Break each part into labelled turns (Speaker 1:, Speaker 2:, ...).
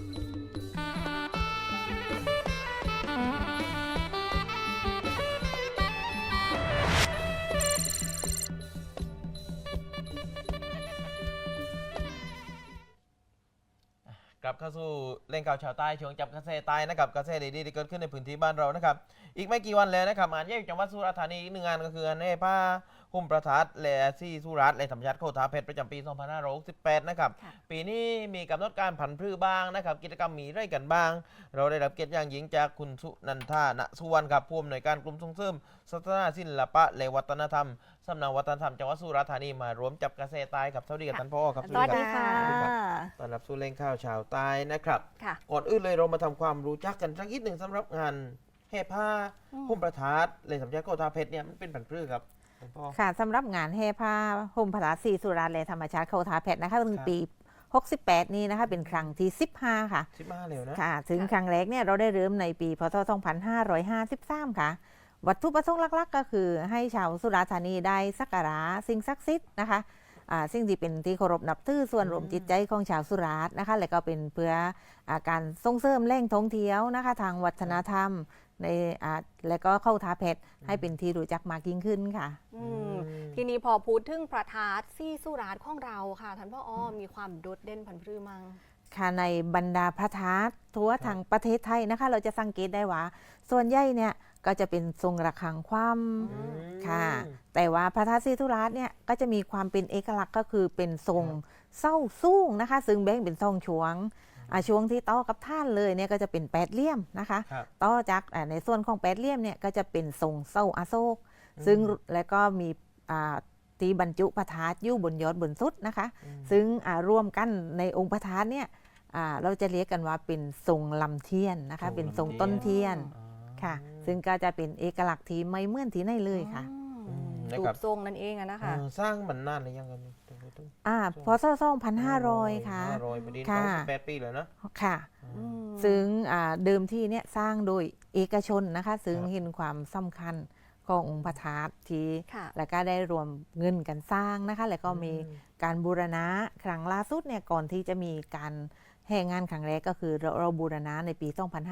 Speaker 1: กลับเข้าสู่เล่นข่าวชาวใต้ช่วงจับกระแสใต้นะครับกระแสดีๆที่เกิดขึ้นในพื้นที่บ้านเรานะครับอีกไม่กี่วันแล้วนะครับงานใหญ่จังหวัดสุราษฎร์ธานีอีกหนึ่งงานก็คืองานแห่ผ้าหุ้มประทัดและซี่สุราษฎร์และธรรมชาติโคตาเพชรประจำปี 2568 นะครับปีนี้มีกำหนดการผันพืชบ้างนะครับกิจกรรมมีไรกันบ้างเราได้รับเกียรติอย่างยิ่งจากคุณสุนันทา ณ สุวรรณครับผู้อำนวยการกลุ่มส่งเสริมศาสนาศิลปะและวัฒนธรรมสำนักวัฒนธรรมจังหวัดสุราษฎร์ธานีมารวมจับกระแสใต้ครับสวัสดีกับท่านพ่อครับ
Speaker 2: สวัสดีค่ะ
Speaker 1: ต้อนรับสู่เล่นข่าวชาวใต้นะครับ
Speaker 2: ค่ะ
Speaker 1: ก่อนอื่นเลยเรามาทำความรู้จักกันสักนิดหนึ่งสำหรับงานแห่ผ้าหุ้มประทัดเลยสำนักโคตาเพชรเนี่ยมันเป็นผันพืชครับท่านพ่อ
Speaker 3: ค่ะสำหรับงานแห่ผ้าห่มผาสีสุราษฎร์และธรรมชาติเขาทาเพชรนะคะถึงปี 68 นี้นะคะเป็นครั้งที่ 15 ค่ะ
Speaker 1: 15เร็วนะ
Speaker 3: ค่ะถึงครั้งแรกเนี่ยเราได้เริ่มในปีพศ 2553 ค่ะ วัตถุประสงค์หลักๆ ก็คือให้ชาวสุราษฎร์ธานีได้สักการะสิ่งศักดิ์สิทธิ์นะคะสิ่งที่เป็นที่เคารพนับถือส่วนรวมจิตใจของชาวสุราษฎร์นะคะและก็เป็นเพื่อการส่งเสริมแหล่งท่องเที่ยวนะคะทางวัฒนธรรมในและก็เข้าทาเพชรให้เป็นที่รู้จักมากยิ่งขึ้นค่ะ
Speaker 2: ทีนี้พอพูดถึงประทัดซี่สุราษฎร์ของเราค่ะท่านพ่ออ้อมีความโดดเด่นผันพรือมั้ง
Speaker 3: ค่ะในบรรดาพระธาตุทั่วทางประเทศไทยนะคะเราจะสังเกตได้ว่าส่วนใหญ่เนี่ยก็จะเป็นทรงระฆังคว่ำค่ะแต่ว่าพระธาตุศรีสุราษฎร์เนี่ยก็จะมีความเป็นเอกลักษณ์ก็คือเป็นทรงเศร้าสูงนะคะซึ่งแบ่งเป็นทรงช่วงช่วงที่ต่อกับท่านเลยเนี่ยก็จะเป็นแปดเหลี่ยมนะคะต่อจากในส่วนของแปดเหลี่ยมเนี่ยก็จะเป็นทรงเศร้าอโศกซึ่งแล้วก็มีตีบรรจุพระธาตุอยู่บนยอดบนสุดนะคะซึ่งร่วมกันในองค์พระธาตุเนี่ยเราจะเรียกกันว่าเป็นทรงลำเทียนนะคะเป็นทรงต้นเทียนค่ะซึ่งก็จะเป็นเอกลักษณ์ที่ไม่เหมือนที่ไหนเลยค่ะ
Speaker 2: รูปทรงนั่นเองอะนะคะ
Speaker 1: สร้างมันนานหรือยังกัน
Speaker 3: พศ 2500 ค่ะ
Speaker 1: 500ประเด็น
Speaker 3: ค่ะ
Speaker 1: 28 ปีเลยนะ
Speaker 3: ค่ะซึ่งเดิมที่เนี่ยสร้างโดยเอกชนนะคะซึ่งเห็นความสำคัญขององค์พระธาตุที่แล้วก็ได้รวมเงินกันสร้างนะคะแล้วก็มีการบูรณะครั้งล่าสุดเนี่ยก่อนที่จะมีการแห่งานครั้งแรกก็คือเราบูรณะในปี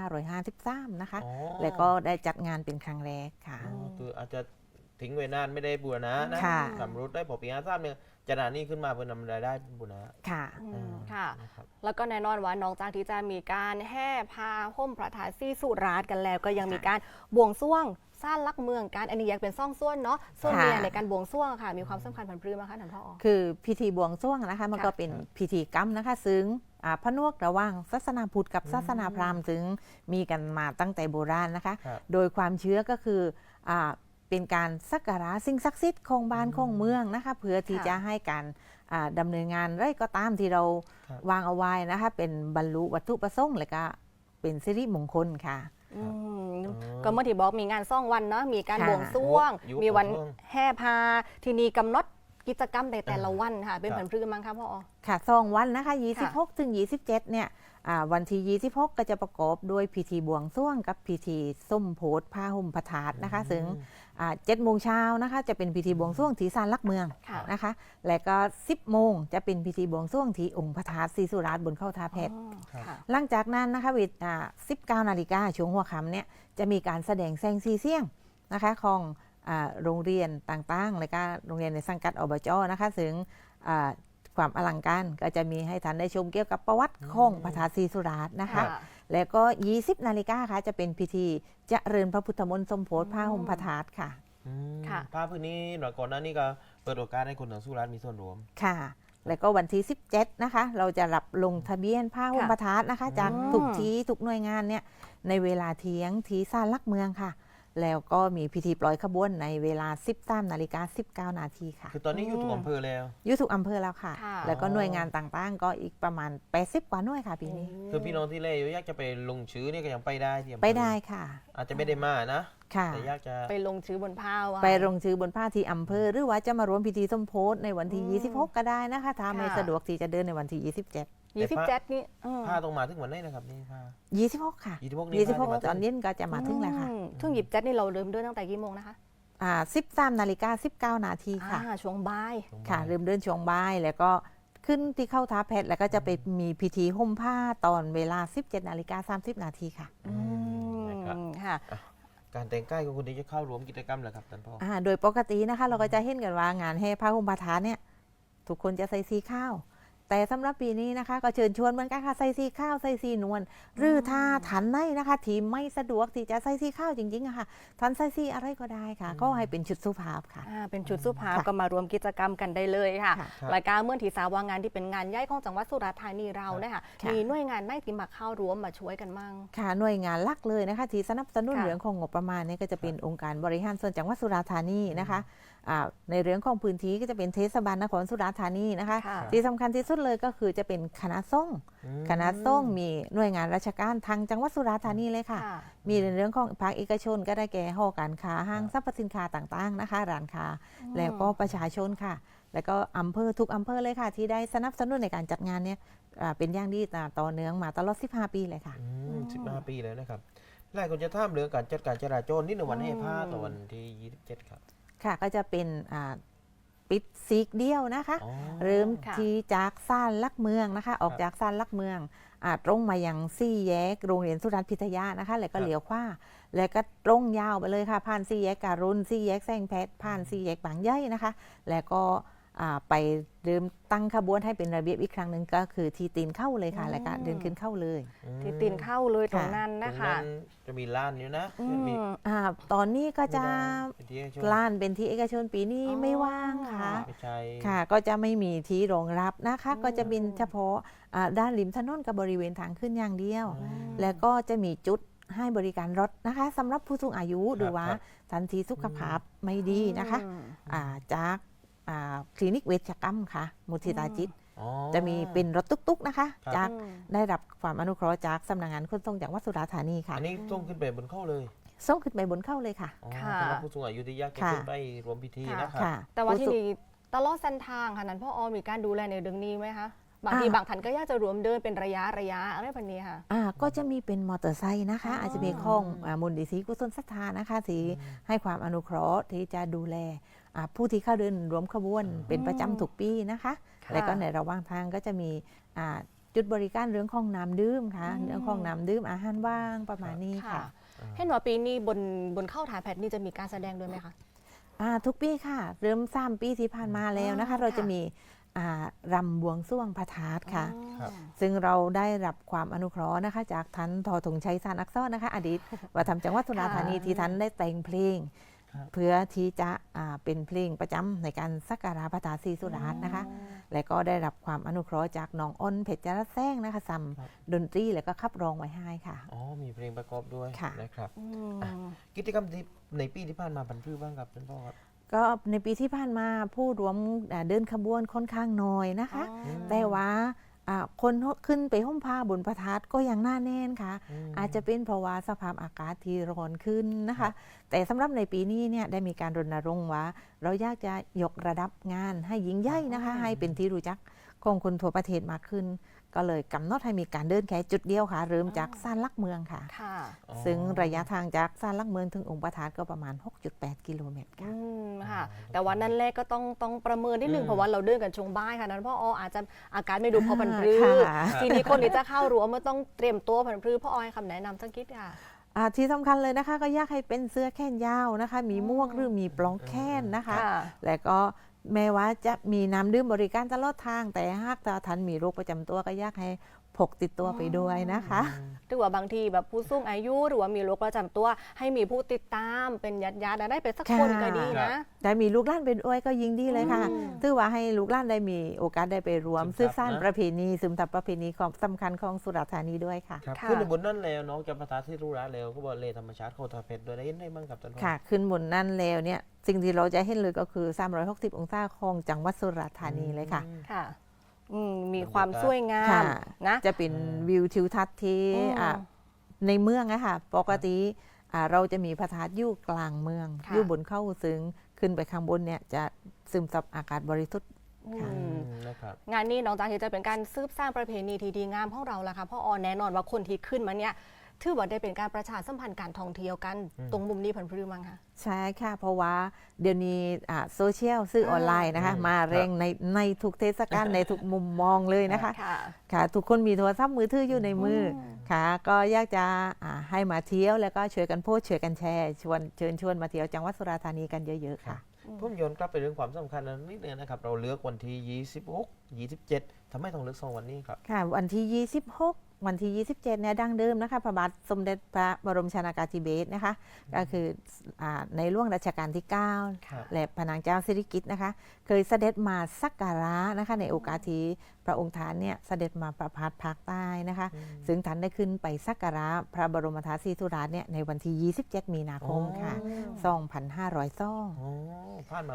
Speaker 3: 2553 นะคะแล้วก็ได้จัดงานเป็นครั้งแรกค่ะ
Speaker 1: คืออาจจะทิ้งไว้นานไม่ได้บูรณะนะสำรุดได้พอปี53เนี่ยจะนานนี้ขึ้นมาเพื่อนำรายได้บูรณะ
Speaker 3: ค่ะ
Speaker 2: ค่ะแล้วก็แน่นอนว่านอกจากที่จะมีการแห่ผ้าห่มพระธาตุซี่สุราษฎร์กันแล้วก็ยังมีการบวงสรวงสร้างลักเมืองการอันนี้ยังเป็นซ่องส่วนเนาะส่วนเนี่ยในการบวงสรวงค่ะมีความสำคัญผันพรือมั้ยคะท่านพ่อ
Speaker 3: คือพิธีบวงสรวงนะคะมันก็เป็นพิธีกรรมนะคะซึ่งผนวกระหว่างศาสนาพุทธกับศาสนาพราหมณ์ซึ่งมีกันมาตั้งแต่โบราณนะคะโดยความเชื่อก็คือเป็นการสักการะสิ่งศักดิ์สิทธิ์ของบ้านของเมืองนะคะเพื่อที่จะให้การดำเนินงานไรก็ตามที่เราวางเอาไว้นะคะเป็นบรรลุวัตถุประสงค์และก็เป็นสิริมงคลค่ะ
Speaker 2: ก็เมื่อที่บอกมีงานซ่องวันเนาะมีการบวงสรวงมีวันแห่พาทีนี้กำหนดกิจกรรมในแต่ละวันค่ะเป็นผันพรือมั้งคะพ่อ
Speaker 3: ค่ะ2 วันนะคะ26 ถึง 27เนี่ยวันที่26ก็จะประกอบด้วยพิธีบวงสรวงกับพิธีส้มโพธิ์ผ้าห่มพระธาตุนะคะซึ่ง7 โมงเช้านะคะจะเป็นพิธีบวงสรวงที่ศาลหลักเมืองนะคะและก็10 โมงจะเป็นพิธีบวงสรวงที่องค์พระธาตุศรีสุราษฎร์บนเข้าทาเพชรหลังจากนั้นนะคะเวลา19 นาฬิกาช่วงหัวค่ำเนี่ยจะมีการแสดงแสงสีเสียงนะคะของโรงเรียนต่างๆและก็โรงเรียนในสังกัดอบจ.นะคะซึ่งความอลังการก็จะมีให้ท่านได้ชมเกี่ยวกับประวัติของพระธาตุศรีสุราษฎร์นะคะแล้วก็ 20 นาฬิกาค่ะจะเป็นพิธีเจริญพระพุทธมนต์สมโภชผ้าห่มพระธาตุค่ะ
Speaker 1: ผ้าพื้นนี้หน่อยก่อนหน้านี้ก็เปิดโอกาสให้คนทางสุราษฎร์มีส่วนร่วม
Speaker 3: ค่ะแล้วก็วันที่17นะคะเราจะรับลงทะเบียนผ้าห่มพระธาตุนะคะจากทุกที่ทุกหน่วยงานเนี่ยในเวลาเที่ยงที่ศาลหลักเมืองค่ะแล้วก็มีพิธีปล่อยขบวนในเวลา 13 นาฬิกา 19 นาทีค่ะ
Speaker 1: คือตอนนี้อยู่ทุกอำเภอแล้ว
Speaker 3: อยู่ทุกอำเภอแล้วค่ะแล้วก็หน่วยงานต่างๆก็อีกประมาณ80 กว่าหน่วยค่ะปีนี้
Speaker 1: คือพี่น้องที่เล่อยากจะไปลงชื่อเนี่ยก็ยังไปได้ที่อำเภอ
Speaker 3: ไปได้ค่ะ
Speaker 1: อาจจะไม่ได้มานะแต่อยากจะ
Speaker 2: ไปลงชื่อบนผ้า
Speaker 3: ไปลงชื่อบนผ้าที่อำเภอหรือว่าจะมาร่วมพิธีสมโภชในวันที่26ก็ได้นะคะถ้าไม่สะดวกที่จะเดินในวันที่
Speaker 2: 27นี่
Speaker 1: ผ้าต้องมาถึงวันไหนนะครับนี่ผ้า
Speaker 3: 26ค่ะ
Speaker 1: 26
Speaker 3: ตอนเย็นก็จะมาถึงแล้วค่ะ
Speaker 2: ถึง27นี่เราเริ่มเดินตั้งแต่กี่โมงนะคะ
Speaker 3: 13 นาฬิกา 19 นาทีค่ะ
Speaker 2: ช่วงบ่าย
Speaker 3: ค่ะเริ่มเดินช่วงบ่ายแล้วก็ขึ้นที่เข้าท้าเพชรแล้วก็จะไปมีพิธีห่มผ้าตอนเวลา 17:30 นาทีค่ะ
Speaker 1: นะครับ
Speaker 2: ค่ะ
Speaker 1: การแต่งกายของคุณที่จะเข้าร่วมกิจกรรมเหรอครับท่านพ่อ
Speaker 3: โดยปกตินะคะเราก็จะเห็นกันว่างานแห่ผ้าห่มผ้าทานเนี่ยทุกคนจะใส่สีข้าว แต่สำหรับปีนี้นะคะก็เชิญชวนเหมือนกันค่ะใส่สีข้าวใส่สีนวลหรือถ้าทันในนะคะที่ไม่สะดวกที่จะใส่สีข้าวจริงๆอะค่ะทันใส่สีอะไรก็ได้ค่ะก็ให้เป็นชุดสุภาพค่ะ
Speaker 2: เป็นชุดสุภาพ
Speaker 3: ค่ะ
Speaker 2: ก็มารวมกิจกรรมกันได้เลยค่ะ
Speaker 3: ค่ะ
Speaker 2: รายการเมื่อที่สาวางานที่เป็นงานใหญ่ของจังหวัดสุราษฎร์ธานีเราเนี่ยค่ะ
Speaker 3: ค่ะ
Speaker 2: มีหน่วยงานไหนที่มาเข้าร่วมมาช่วยกันมั่ง
Speaker 3: ค่ะหน่วยงานหลักเลยนะคะที่สนับสนุน
Speaker 2: ค่ะ
Speaker 3: เรื่องของงบประมาณเนี่ยก็จะเป็นองค์การบริหารส่วนจังหวัดสุราษฎร์ธานีนะคะในเรื่องของพื้นที่ก็จะเป็นเทศบาลนครสุราษฎร์ธานีนะคะ
Speaker 2: ค่ะ
Speaker 3: ที่สำคัญที่สุดเลยก็คือจะเป็นคณะสงฆ์คณะสงฆ์มีหน่วยงานราชการทางจังหวัดสุราษฎร์ธานีเลยค่ะ
Speaker 2: ค่ะ
Speaker 3: มีในเรื่องของภาคเอกชนก็ได้แก่หอการค้าห้างสรรพสินค้าต่างๆนะคะร้านค้าแล้วก็ประชาชนค่ะ แล้วก็อำเภอทุกอำเภอเลยค่ะ ที่ได้สนับสนุนในการจัดงานเนี่ยเป็นอย่างดีต่อเนื่องมาตลอด 15 ปีเลยค่ะ
Speaker 1: 15 ปีแล้วนะครับหลายคนจะถามเรื่องการจัดการจราจรนี่ในวันแห่ผ้าต่อวันที่ 27 ครับ
Speaker 3: ค่ะก็จะเป็นปิดซีกเดียวนะคะ
Speaker 1: อ๋อ
Speaker 3: เริ่ม
Speaker 2: ค่ะ
Speaker 3: ที่จากซ่านลักเมืองนะคะ ออกจากซ่านลักเมืองตรงมายังซี่แยกโรงเรียนสุรัตน์พิทยานะคะ แล้วก็เลี้ยวขวาแล้วก็ตรงยาวไปเลยค่ะ ผ่านซี่แยกการุณซี่แยกแซงแพทย์ผ่านซี่แยกบางใหญ่นะคะ แล้วก็ไปเริ่มตั้งขบวนให้เป็นระเบียบอีกครั้งหนึ่งก็คือที่ตีนเข้าเลยค่ะ แล้วก็เดินขึ้นเข้าเลย
Speaker 2: ที่ตีนเข้าเลยตรงนั้น
Speaker 1: ตร
Speaker 2: นะ
Speaker 1: ง
Speaker 2: คะ
Speaker 1: นั้นจะมีร้านอยู่นะ
Speaker 2: อื
Speaker 1: มี
Speaker 2: ม
Speaker 3: ตอนนี้ก็จะ
Speaker 1: เป็นที่ให้ชม
Speaker 3: ล้านเป็นที่เอกชนปีนี้
Speaker 2: อ๋อ
Speaker 3: ไม่ว่างค่ะ
Speaker 1: ไม่ใช่
Speaker 3: ค่ะก็จะไม่มีที่รองรับนะคะ ก็จะเป็นเฉพาะด้านริมถนนกับบริเวณทางขึ้นอย่างเดียว แล้วก็จะมีจุดให้บริการรถนะคะสำหรับผู้สูงอายุหรือว่าทันทีสุขภาพไม่ดีนะคะจากคลินิกเวชกรรมค่ะมุทิตาจิต
Speaker 1: อ๋อ
Speaker 3: จะมีเป็นรถตุ๊กๆนะคะ
Speaker 1: ครับ
Speaker 3: จากได้รับความอนุเคราะห์จากสำนักงานขนส่งจังหวัดสุราษฎร์ธานีค่ะ
Speaker 1: อันนี้ต้องขึ้นไปบนเข้าเลย
Speaker 3: ส่งขึ้นไปบนเข้าเลยค่ะ
Speaker 1: อ๋อ
Speaker 2: ค่ะ
Speaker 1: สำหรับผู้สูงอายุที่ยากจะ
Speaker 3: ค่ะ
Speaker 1: ขึ้นไปรวมพิธีนะครับ
Speaker 3: ค่ะ
Speaker 2: แต่ว่า
Speaker 3: ผู้
Speaker 2: ที่
Speaker 3: สูง
Speaker 2: นี่ตลอดเส้นทางค่ะนั้นพ่ออมีการดูแลในเรื่องนี้ไหมคะบางทีบางท่านก็อยากจะรวมเดินเป็นระยะอะไรแบบนี้ค่ะ
Speaker 3: ก็จะมีเป็นมอเตอร์ไซค์นะคะ
Speaker 2: อ๋ออ
Speaker 3: อาจจะมีของมูลนิธิกุศลศรัทธานะคะที่ให้ความอนุเคราะห์ที่จะดูแลผู้ที่เข้าเดินรวมขบวนเป็นประจำทุกปีนะคะ
Speaker 2: ค่ะ
Speaker 3: แล้วก็ในระหว่างทางก็จะมีจุดบริการเรื่องของน้ำดื่มค่ะ
Speaker 2: อืม
Speaker 3: เรื่องของน้ำดื่มอาหารว่างประมาณนี้
Speaker 2: ค่ะ
Speaker 3: ค่ะ
Speaker 2: เห็นว่าปีนี้บนเข้าถ่ายแพทนี่จะมีการแสดงด้วยไหมคะ
Speaker 3: ทุกปีค่ะ เริ่ม3 ปีที่ผ่านมาแล้วนะคะ เราจะมีรำบวงสรวงพระธาตุค่ะ
Speaker 1: ครับ
Speaker 3: ซึ่งเราได้รับความอนุเคราะห์นะคะ จากท่านทอธงชัยสานอักษรนะคะ อดีตวัฒนธรรมจังหวัดสุราษฎร์ธานี
Speaker 2: ค่ะ
Speaker 3: ที่ท่านได้แต่งเพลง
Speaker 1: ครับ
Speaker 3: เพื่อที่จะเป็นเพลงประจำในการสักการะพระธาตุศรีสุราษฎร์นะคะ และก็ได้รับความอนุเคราะห์จากน้องอ้นเพชรจรัสแซงนะคะซัม
Speaker 1: ครับ
Speaker 3: ดนตรีแล้วก็ขับร้องไว้ให้ค่ะ
Speaker 1: อ๋อมีเพลงประกอบด้วย
Speaker 3: ค่ะ
Speaker 1: นะครับ
Speaker 2: อืม
Speaker 1: กิจกรรมที่ในปีที่ผ่านมาบรรพือบ้างครับท่านพ่อครับ
Speaker 3: ก็ในปีที่ผ่านมาผู้รวมเดินขบวนค่อนข้างน้อยนะคะ แต่ว่าคนขึ้นไปห้มผ้าบนพระธาตุก็ยังหน้าแน่นค่ะ อาจจะเป็นเพราะว่าสภาพอากาศที่ร้อนขึ้นนะคะ แต่สำหรับในปีนี้เนี่ยได้มีการรณรงค์ว่า เราอยากจะยกระดับงานให้ยิ่งใหญ่นะคะ ให้เป็นที่รู้จักของคนทั่วประเทศมากขึ้น ก็เลยกำหนดให้มีการเดินแค่จุดเดียวค่ะ เริ่มจากศาลหลักเมืองค่ะ
Speaker 2: ค่ะ
Speaker 1: อ๋อ
Speaker 3: ซึ่งระยะทางจากศาลหลักเมืองถึงองค์พระธาตุก็ประมาณ 6.8 กิโลเมตรค่ะ
Speaker 2: ค่ะ แต่วันนั้นแรกก็ต้องประเมินนิดนึงเพราะว่าเราเดินกันช่วงบ่ายค่ะนั้นพ่อออาจจะอาการไม่ดูพอพันพรือ
Speaker 3: ค่ะ
Speaker 2: ทีนี้คนที่จะเข้ารั้วมันต้องเตรียมตัวพันพรือพ่ออให้คำแนะนำสักนิดค่ะ
Speaker 3: ที่สำคัญเลยนะคะก็อยากให้เป็นเสื้อแขนยาวนะคะ มีหมวกหรือมีปลอกแขนนะคะ
Speaker 2: ค่ะ
Speaker 3: และก็แม้ว่าจะมีน้ำดื่มบริการตลอดทาง แต่หากท่านมีโรคประจำตัวก็อยากให้พกติดตัวไปด้วยนะคะ
Speaker 2: หรือว่าบางทีแบบผู้สูงอายุหรือว่ามีโรคประจำตัว ให้มีผู้ติดตามเป็นญาติๆได้เป็นสักคน
Speaker 3: ค่ะ
Speaker 2: ก็ดีนะ
Speaker 3: แต่มีลูกหลานเป็นอ้วยก็ยิ่งดีเลยค่ะ
Speaker 2: อืม
Speaker 3: ถือว่าให้ลูกหลานได้มีโอกาสได้ไปรวม
Speaker 1: ซึ
Speaker 3: สื
Speaker 1: ม
Speaker 3: บ
Speaker 1: ซับ
Speaker 3: สาน
Speaker 1: นะ
Speaker 3: ประเพณีซึมซับประเพณีของสำคัญของสุราษฎร์ธานีด้วยค่ะ
Speaker 1: ครับ
Speaker 2: ค่ะ
Speaker 1: ขึ้นไปบนนั่นแล้วน้องจะประทาที่รู้ร้านแล้วก็บอกเลยธรรมชาติโคตรเพชรโดยได้ยินได้บ้างครับท่านพ่อ
Speaker 3: ค่ะ ขึ้นบนนั่นแล้วเนี่ยสิ่งที่เราจะเห็นเลยก็คือ 360 องศาของจังหวัดสุราษฎร์ธานีเลยค่ะ
Speaker 2: ค่ะมีความสวยงา
Speaker 3: ค่ะ
Speaker 2: มนะ
Speaker 3: จะเป็นวิวทิวทัศน์ที่
Speaker 2: อืม
Speaker 3: ในเมืองอะค่ะปกติเราจะมีพระธาตุอยู่กลางเมือง
Speaker 2: ค่ะ
Speaker 3: อยู่บนเข้าซึ่งขึ้นไปข้างบนเนี่ยจะซึมซับอากาศบริสุทธิ์ ค่ะ
Speaker 2: อืม
Speaker 1: นะครับ
Speaker 2: งานนี้น้องจากที่จะเป็นการซืบสร้างประเพณีที่ดีงามของเราละค่ะพ่ออแน่นอนว่าคนที่ขึ้นมาเนี่ยถือว่าได้เป็นการประชาสัมพันธ์การท่องเที่ยวกันตรงมุมนี้ผันพรือมั้งคะ
Speaker 3: ใช่ค่ะเพราะว่าเดี๋ยวนี้โซเชียลสื่อออนไลน์นะคะมาแรงในทุกเทศกาลในทุกมุมมองเลยนะคะ
Speaker 2: ค่ะ
Speaker 3: ค่ะทุกคนมีโทรศัพท์มือถืออยู่ในมือค่ะก็อยากจะให้มาเที่ยวแล้วก็ช่วยกันโพสต์ช่วยกันแชร์เชิญชวนมาเที่ยวจังหวัดสุราษฎร์ธานีกันเยอะๆค่ะ
Speaker 1: ผมย้อนกลับไปเรื่องความสำคัญนิดนึงนะครับเราเลือกวันที่ 26 27ทำไมต้องเลือก2วันนี้ครับ
Speaker 3: ค่ะวันที่ 26 วันที่ 27เนี่ยดั้งเดิมนะคะพระบาทสมเด็จพระบรมชนากาธิเบศรนะคะก็คือในหลวงรัชกาลที่
Speaker 1: ครับ
Speaker 3: 9 และพระนางเจ้าสิริกิติ์นะคะเคยเสด็จมาสักการะนะคะในโอกาสที่พระองค์ท่านเนี่ยเสด็จมาประพาสภาคใต้นะคะซึ่งท่านได้ขึ้นไปสักการะพระบรมธาตุศรีสุราษฎร์เนี่ยในวันที่ 27 มีนาคมค่ะ 2502
Speaker 1: อ๋อผ่านมา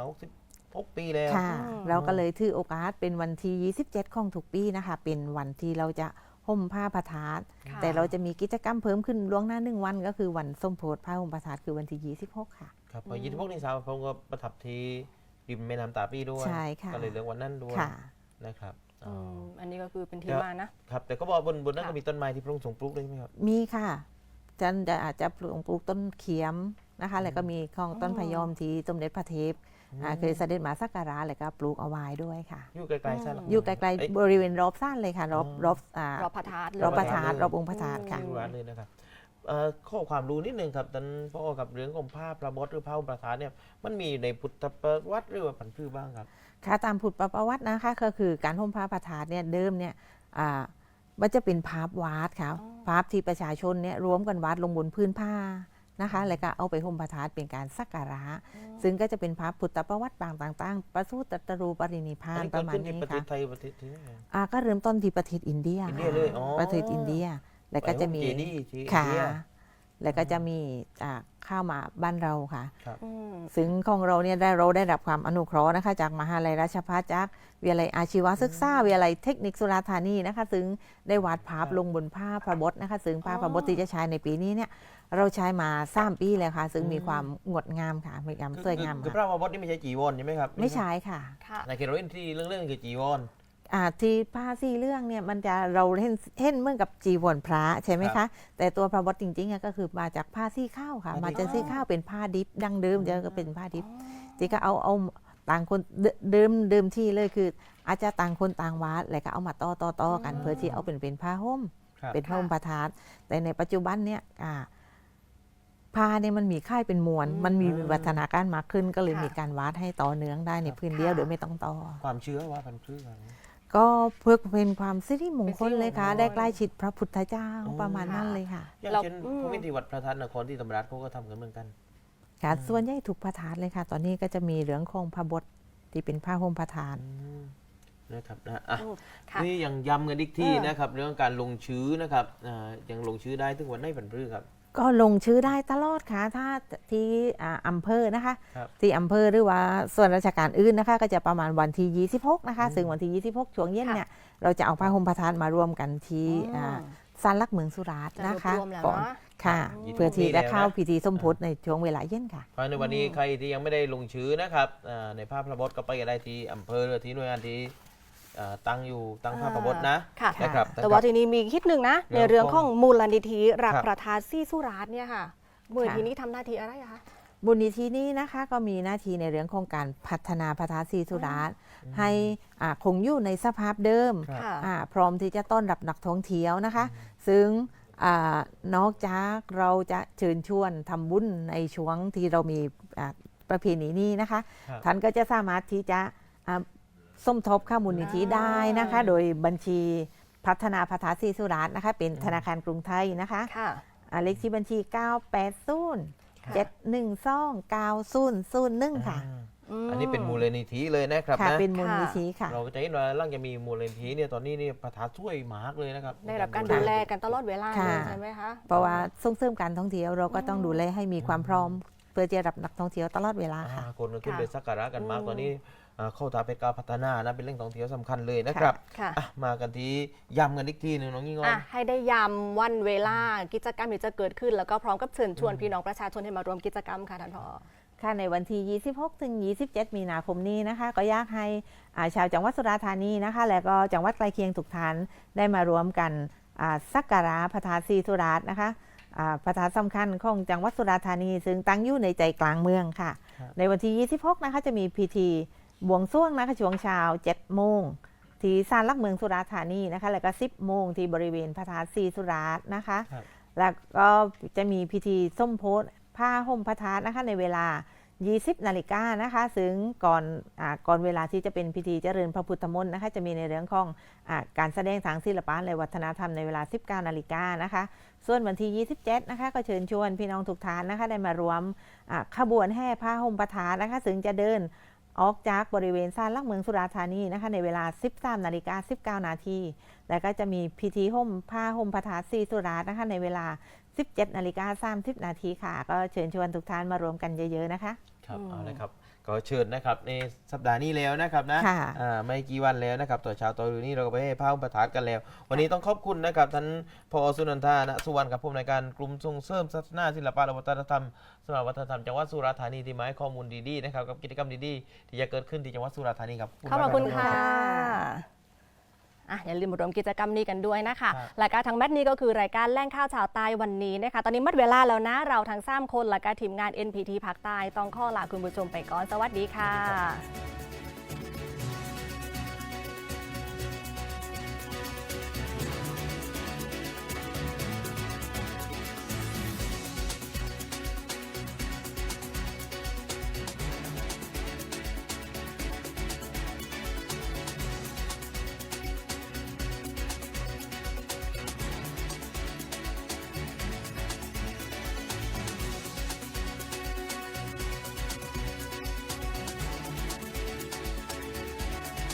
Speaker 1: 66 ปีแล้ว
Speaker 3: ค่ะเราก็เลยถือโอกาสเป็นวันที่ 27 ของทุกปีนะคะเป็นวันที่เราจะห่มผ้าพระธาตุ
Speaker 2: ค่ะ
Speaker 3: แต่เราจะมีกิจกรรมเพิ่มขึ้นล่วงหน้า1 วันก็คือวันส้มโพธิผ้าห่มพระธาตุคือวันที่ 26 ค่ะ
Speaker 1: ครับพอ26นี่สาวผมก็ประทับที่ริมแม่น้ำตาปีด้วย
Speaker 3: ใช่ค่ะ
Speaker 1: ก็เลยเลือกวันนั้นด้วย
Speaker 3: ค่ะ
Speaker 1: นะครับอ๋อ
Speaker 2: อันนี้ก็คือเป็นที่มานะ
Speaker 1: ครับแต่ก็บอกบนนั้น
Speaker 2: ค่ะ
Speaker 1: ก็มีต้นไม้ที่พระองค์ทรงปลูกด้วยใช่ไหมครับ
Speaker 3: มีค่ะอาจจะปลูกต้นเขียมนะคะแล้วก็มีของต้นพะยอมที่สมเด็จพระเทพเคยเสด็จมาสักการะแล้วก็ปลูกเอาไว้ด้วยค่ะ
Speaker 1: อยู่ไกลๆใช่หรอ
Speaker 3: อยู่ไกลๆบริเวณรอบซ่านเลยค่ะรอบ
Speaker 2: รอบพระธาตุ
Speaker 3: รอบพระธาตุรอบองค์พระธาตุค่ะ
Speaker 1: ที่ร้านเลยนะครับข้อความรู้นิดนึงครับท่านพ่อกับเรื่องของภาพพระบดหรือพระอุปทานเนี่ยมันมีในพุทธประวัติหรือว่าผันพืชบ้างครับ
Speaker 3: ค่ะตามพุทธประวัตินะคะก็คือการห่มผ้าพระธาตุเนี่ยเดิมเนี่ยมันจะเป็นภาพวาดค่ะภาพที่ประชาชนเนี่ยรวมกันวาดลงบนพื้นผ้านะคะแล้วก็เอาไปห่มพระธาตุเป็นการสักการะซึ่งก็จะเป็นภาพพุทธประวัติบางต่างๆ ประสูติตรัสรู้ปรินิพพา
Speaker 1: อัน
Speaker 3: น
Speaker 1: นี้
Speaker 3: ป
Speaker 1: เกิ
Speaker 3: ระ
Speaker 1: ด
Speaker 3: มาณ
Speaker 1: ขึ้นที่
Speaker 3: นี้
Speaker 1: ประเทศ
Speaker 3: ค่ะ
Speaker 1: ไทยประเทศที่ไหน
Speaker 3: ก็เริ่มต้นที่ประเทศอินเดีย
Speaker 1: อินเดียเลยอ๋อ
Speaker 3: ประเทศอินเดียแล้วก็จะมี
Speaker 1: ไปห้องเจดีย์ที่อิน
Speaker 3: ค่ะ
Speaker 1: เดีย
Speaker 3: แล้วก็จะมีเข้ามาบ้านเราค่ะ
Speaker 2: อืม
Speaker 3: ซึ่งของเราเนี่ยเราได้รับความอนุเคราะห์นะคะจากมหาลัยราชภัฏจากวิทยาลัยอาชีวศึกษาวิทยาลัยเทคนิคสุราษฎร์ธานีนะคะซึ่งได้วาดภาพลงบนผ้าพระบทนะคะซึ่งผ้าพระบทที่จะใช้ในปีนี้เนี่ยเราใช้มา3 ปีแล้วค่ะซึ่งมีความงดงามค่ะมีความสวยงาม
Speaker 1: คือพ
Speaker 3: ค่ะ
Speaker 1: ระบดนี่ไม่ใช่จีวรใช่ไหมครับ
Speaker 3: ไม่ใช่ค่ะ
Speaker 2: ค่ะ
Speaker 1: ในเขตเราเล่นที่เรื่องคือจีวร
Speaker 3: ที่ผ้า4 เรื่องเนี่ยมันจะเราเห็นเหมือนกับจีวรพระใช่ไหม
Speaker 1: ครั
Speaker 3: คะ
Speaker 1: บ
Speaker 3: แต่ตัวพระบทจริงๆก็คือมาจากผ้าซี่ข้าวค่ะ
Speaker 1: ผ้า
Speaker 3: มา
Speaker 1: ดิบ
Speaker 3: จากซี่ข้าวเป็นผ้าดิบดั้งเดิมเดี๋ยวก็เป็นผ้าดิบที่ก็เอาต่างคนเดิมที่เลยคือ อาจจะต่างคนต่างวาดแล้วก็เอามาต่อกันเพื่อที่เอาเป็นผ้าห่ม
Speaker 1: ครับ
Speaker 3: เป็นผ้าห่มประทาดแต่ในปัจจุบันเนี่ยผ้าเนี่ยมันมีค่ายเป็นมวลมันมีวิวัฒนาการมากขึ้นก็เลย
Speaker 2: ค่ะ
Speaker 3: มีการวาดให้ต่อเนื่องได้ในพื้นเดียวโดยไม่ต้องต่อ
Speaker 1: ความเชื่อว่าพันพืชอะไร
Speaker 3: ก็เพื่อเป็นความสิริมงคลเลยค่ะ
Speaker 1: เป็นสิริมงคล
Speaker 3: ได้ใกล้ชิดพระพุทธเจ้า
Speaker 1: อ๋อ
Speaker 3: ประมาณนั้นเลยค่ะ
Speaker 1: อย่างเช่นพระวิธีวัดพระธาตุนครที่ธรรมราชเขาก็ทำกันเหมือนกัน
Speaker 3: ค่ะส่วนใหญ่ถูกพระธาตุเลยค่ะ ตอนนี้ก็จะมีเรื่องของพระบทที่เป็นผ้าห่มพระธาตุ
Speaker 1: นะครับนะอ่ะ
Speaker 2: ค่ะ
Speaker 1: นี่ยังย้ำกันอีกที่
Speaker 2: เออ
Speaker 1: นะครับ เรื่องการลงชื่อนะครับยังลงชื่อได้ถึงวันไหนพันพืชครับ
Speaker 3: ก็ลงชื่อได้ตลอดค่ะถ้าที่อำเภอนะคะ
Speaker 1: ครับ
Speaker 3: ที่อำเภอหรือว่าส่วนราชการอื่นนะคะ ก็จะประมาณวันที่ 26 นะคะ ซึ่งวันที่ 26 ช่วงเย็นเนี่ยเราจะเอาผ้าห่มพระธาตุมารวมกันที่ศาลหลักเมืองสุราษฎร์
Speaker 2: จะร
Speaker 3: นะ
Speaker 2: วบ
Speaker 3: คะ
Speaker 2: รวมแล้ว
Speaker 3: ก่อน
Speaker 2: เนาะ
Speaker 3: ค่ะ
Speaker 1: 26
Speaker 3: เพื่อที่จะเข้า
Speaker 1: แล้วนะ
Speaker 3: พิธีสมโพธิในช่วงเวลาเย็นค่ะ
Speaker 1: เพราะในวันนี้ใครที่ยังไม่ได้ลงชื่อนะครับในภาพพระบทก็ไปกันได้ที่อำเภอหรือที่หน่วยงานที่ตั้งภาพพระบทนะ
Speaker 2: ค่ะ
Speaker 1: นะครับ
Speaker 2: แต่ว่าทีนี้มีคิดหนึ่งนะ
Speaker 1: เรื่
Speaker 2: ใน
Speaker 1: อง
Speaker 2: เรื่องของมูลนิธิรัก
Speaker 1: ครับ
Speaker 2: ประทานซี่สุราษฎร์เนี่ยค่ะมูลนิธินี้ทำหน้าที่อะไรอะคะ
Speaker 3: บุญนิธินี้นะคะก็มีหน้าที่ในเรื่องของการพัฒนาพระธาตุศรีสุราษฎร์ให้คงอยู่ในสภาพเดิม
Speaker 1: ครับ
Speaker 2: ค่ะ
Speaker 3: พร้อมที่จะต้อนรับนักท่องเที่ยวนะคะ ซึ่งนอกจากเราจะเชิญชวนทำบุญในช่วงที่เรามีประเพณีนี้นะคะ
Speaker 1: ครับ
Speaker 3: ท่านก็จะสามารถที่จะสมทบเข้ามูลนิธิได้นะคะ โดยบัญชีพัฒนาพระธาตุศรีสุราษฎร์นะคะ เป็นธนาคารกรุงไทยนะคะ
Speaker 2: ค่ะ
Speaker 3: เลขที่บัญชี 980 712 9001 ค่ะ
Speaker 1: อันนี้เป็นมูลนิธิเลยนะครับ
Speaker 3: ค่ะ
Speaker 1: นะ
Speaker 3: เป็นมูลนิธิค่ะ
Speaker 1: เราก็จะเห็นว่าหลังจะมีมูลนิธิเนี่ยตอนนี้เนี่ยประธานช่วยมากเลยนะครับ
Speaker 2: ได้รับการดูแลกันตลอดเวลา
Speaker 3: ค่ะ
Speaker 2: เลยใช่ไหมคะ
Speaker 3: เพราะว่าส่งเสริมการท่องเที่ยวเราก็ต้องดูแลให้มีความพร้อม เพื่อจะรับนักท่องเที่ยวตลอดเวลาค่ะ
Speaker 1: คนก็ขึ้น
Speaker 2: ค่ะ
Speaker 1: ไปสักการะกันมากตอนนี้เข้าตาเป็นการพัฒนานะเป็นเรื่องท่องเที่ยวสำคัญเลยนะครับ
Speaker 2: ค่ะ
Speaker 1: มากันที่ย้ำกันอีกทีหนึงน้องยิ่งอ้อ
Speaker 2: อ่ะ
Speaker 1: น
Speaker 2: ให้ได้ย้ำวันเวลากิจกรรมที่จะเกิดขึ้น แล้วก็พร้อมกับเชิญชวนพี่น้องประชาชนให้มาร่วมกิจกรรมค่ะท่านผอ
Speaker 3: ค่ะในวันที่ 26 ถึง 27 มีนาคมนี้นะคะ ก็อยากให้ชาวจังหวัดสุราษฎร์ธานีนะคะ และก็จังหวัดใกล้เคียงทุกท่านได้มารวมกันสักการะพระธาตุศรีสุราษฎร์นะคะพระธาตุสำคัญของจังหวัดสุราษฎร์ธานี ซึ่งตั้งอยู่ในใจกลางเมืองค่ะ
Speaker 1: ครับ
Speaker 3: ในวันที่ 26 นะคะจะมีพิธีบวงสรวงนะคะช่วงเช้า 7 โมงที่ศาลหลักเมืองสุราษฎร์ธานีนะคะแล้วก็ 10 โมงที่บริเวณพระธาตุศรีสุราษฎร์นะคะ
Speaker 1: ครับ
Speaker 3: แล้วก็จะมีพิธีส้มโพธิ์ผ้าห่มพระธาตุนะคะในเวลา 20 นาฬิกานะคะซึ่งก่อนเวลาที่จะเป็นพิธีเจริญพระพุทธมนต์นะคะจะมีในเรื่องของการแสดงทางศิลปะและวัฒนธรรมในเวลา 19 นาฬิกานะคะส่วนวันที่ 27 นะคะก็เชิญชวนพี่น้องทุกท่านนะคะได้มารวมขบวนแห่ผ้าห่มพระธาตุนะคะซึ่งจะเดินออกจากบริเวณศาลหลักเมืองสุราษฎร์ธานีนะคะในเวลา 13 นาฬิกา 19 นาทีแล้วก็จะมีพิธีห่มผ้าห่มพระธาตุศรีสุราษฎร์นะคะในเวลา 17 นาฬิกา 30 นาทีค่ะก็เชิญชวนทุกท่านมารวมกันเยอะๆนะคะ
Speaker 1: ครับเอาเลยครับก็เชิญนะครับในสัปดาห์นี้แล้วนะครับนะ
Speaker 3: ค่ะ
Speaker 1: ไม่กี่วันแล้วนะครับต่อเช้าต่อดูนี่เราก็ไปให้พระอุปถากกันแล้ว วันนี้ต้องขอบคุณนะครับท่านพอสุนันทาณสุวรรณกับผู้อำนวยการกลุ่มส่งเสริมศาสนาศิลปะและวัฒนธรรมสำนักวัฒนธรรมจังหวัดสุราษฎร์ธานีที่มาให้ข้อมูลดีๆนะครับกับกิจกรรมดีๆที่จะเกิดขึ้นที่จังหวัดสุราษฎร์ธานีครับ
Speaker 2: ขอบคุณ
Speaker 1: มาก
Speaker 2: ค่ะ
Speaker 1: รับ
Speaker 2: อย่าลืมมาร่วมกิจกรรมนี้กันด้วยนะคะ
Speaker 1: ครับ
Speaker 2: รายการทางแมทนี้ก็คือรายการแล่งข้าวชาวใต้วันนี้นะคะ ตอนนี้หมดเวลาแล้วนะ เราทั้ง3คนและก็ทีมงาน NPT ภาคใต้ต้องขอลาคุณผู้ชมไปก่อน สวัสดีค่ะ